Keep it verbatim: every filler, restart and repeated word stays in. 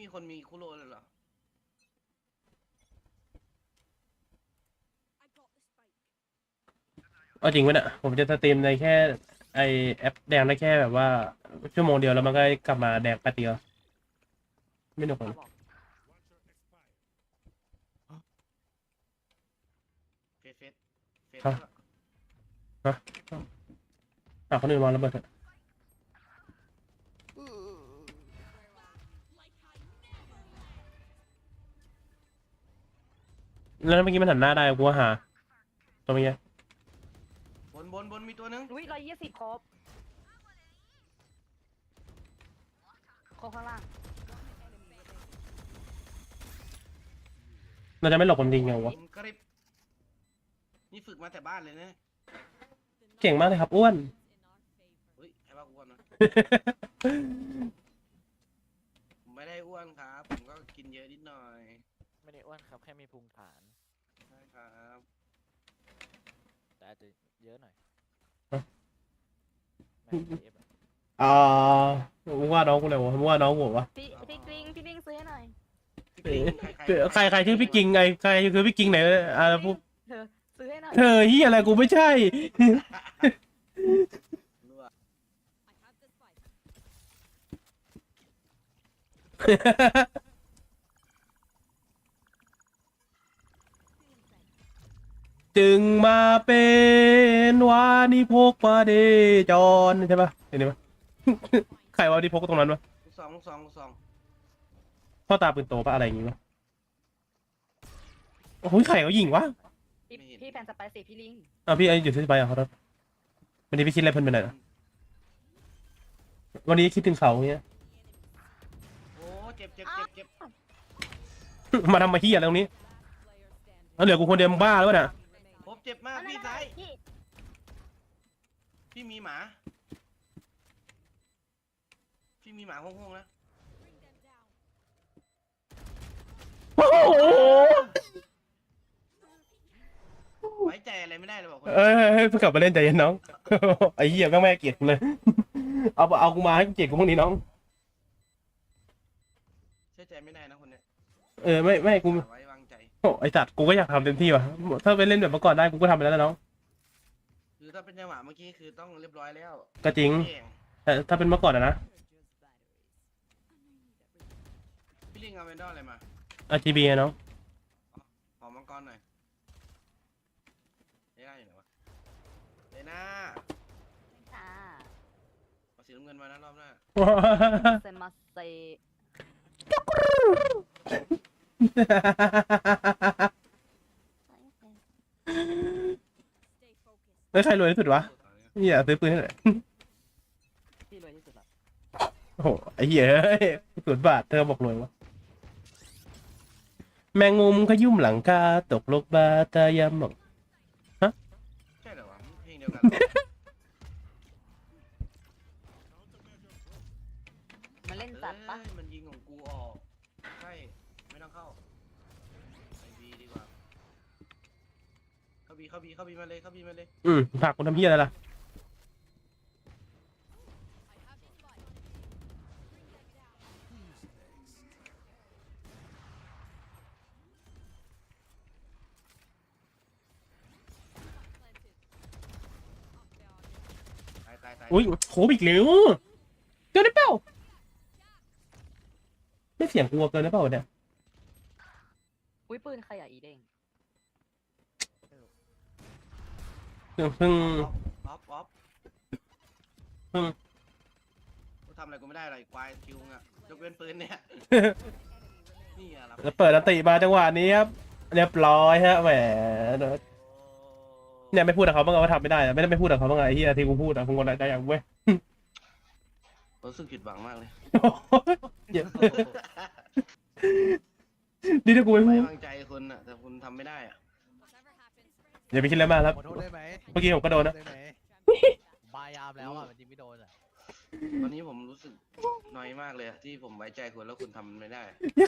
มีคนมีคุโรเลยเหรอเอาจริงไหมเนี่ยผมจะสตรีมในแค่ไอแอปแดงได้แค่แบบว่าชั่วโมงเดียวแล้วมันก็กลับมาแดงแป๊บเดียวไม่หนุกเลยเฟสเฟสเฟสครับ ฮะอ่ะคนอื่นวางระเบิดเถอะแล้วเมื่อกี้มันหันหน้าได้กูว่าหาตัวเมื่อกี้บนบนบนมีตัวนึงอุ้ยร้อยยี่สิบครบครบข้างล่างเราจะไม่หลบผมจริงไงวะผมกริบนี่ฝึกมาแต่บ้านเลยนะเก่งมากเลยครับอ้วนเฮ้ยใครว่าอ้วนนะผมไม่ได้อ้วนครับ ผมก็กินเยอะนิดหน่อยไม่ได้อ้วนครับแค่มีพุงฐานใช่ครับแต่อาจจะเยอะหน่อยฮะแม่งเอฟอะอ่ามึงว่าน้องกูเลยวะมึงว่าน้องกูวะพี่พี่กริงพี่กริงซื้อให้หน่อยพี่กิงใครใครชื่อพี่กิงไงใครคือพี่กิงไหนอ่าพูดเธอซื้อให้หน่อยเธอเฮียอะไรกูไม่ใช่รู้อะจึงมาเป็นวานิพกมาเดจรใช่ปะเห็นไหม ใครวานิพกตรงนั้นวะลูกสองลูกสองลูกสองพ่อตาปืนโตปะอะไรอย่างงี้วะโอ้ยใครเขายิงวะพี่พี่แผ่นสไปซี่พี่ลิงอ่ะพี่ไอ้อยู่ที่ไปอ่ะครับวันนี้พี่คิดอะไรเพิ่นไปไหนอะวันนี้คิดถึงเขาเงี้ยโอ้เจ็บเจ็บเจ็บเจ็บมาทำมาเฮียอะไรตรงนี้แล้วเหลือกูคนเดียวมึงบ้าหรือเปล่าเนี่ยผมเจ็บมากอันนั้พี่นซ้ายพี่พี่มีหมา พี่มีหมาห้องๆนะโอ้โหไว้ใจอะไรไม่ได้เลยบอกคนเอ้ยเฮ้ยเพิ่งกลับมาเล่นใจเย็นน้อง ไอ้เหี้ยแม่งไม่ให้เกลียดกูเลย เอาเอากูมาให้เกลียดกูพวกนี้น้องเชื่อใจไม่ได้นะคนเนี้ยเออไม่ไม่กูไว้วางใจโอ้ไอ้สัตว์กูก็อยากทำเต็มที่ว่ะถ้าไปเล่นแบบเมื่อก่อนได้กูก็ทำไปแล้วนะน้องคือถ้าเป็นจังหวะเมื่อกี้คือต้องเรียบร้อยแล้วก็จริงเก่งแต่ถ้าเป็นเมื่อก่อนอะนะพี่ลิงเอาเวนดอร์อะไรมาอาร์ จี บี อะน้องขอมังกรหน่อยเลน่าอยู่ไหนวะเลน่าอ่าเอาสีน้ำเงินมานะรอบหน้าเซมาเซเฮ้ยใครรวยที่สุดวะเหี้ยซื้อปืนให้หน่อยพี่รวยที่สุดละโอ้โหไอ้เหี้ยเฮ้ยศูนย์บาทเธอบอกรวยวะแมงมุมขยุ่มหลังคาตกลกบาตายามหมองใช่เหรอวะเพลงเดียวกันเหรอมาเล่นจัดปะเอ้ยมันยิงของกูออกใช่ไม่ต้องเข้าไปบีดีกว่าเข้าบีเข้าบีเข้าบีมาเลยเข้าบีมาเลยอืมผลักกูทำเหี้ยอะไรล่ะตายตายตายอุ้ยโคบอีกแล้วเกินได้เปล่าไม่เสียงกลัวเกินได้เปล่าเนี่ยอุ้ยปืนใครอ่ะอีเด้งเพิ่งเพิ่งออฟออฟเพิ่งกูทำอะไรกูไม่ได้หรอกไอ้ควายคิวงอะยกเว้นปืนเนี่ยนี่อะรับแล้วเปิดอันติมาจังหวะนี้ครับเรียบร้อยฮะแหมเนี่ยไม่พูดกับเขาบ้างเหรอว่าทำไม่ได้อะไม่ได้ไม่พูดกับเขาบ้างเหรอไอ้เหี้ยที่กูพูดอะกูงอนได้อย่างเว้ยรู้สึกผิดหวังมากเลยเหี้ยนี่ถ้ากูไม่พูไม่ดวางใจคุณอะแต่คุณทำไม่ได้อะอย่าไปคิดอะไรมากครับขอโทษได้ไหมเมื่อกี้ผมก็โดนนะได้ไหมบายามแล้วอ่ะมันยิงไม่โดนอ่ะตอนนี้ผมรู้สึกน้อยมากเลยอะที่ผมไว้ใจคุณแล้วคุณทำมันไม่ได้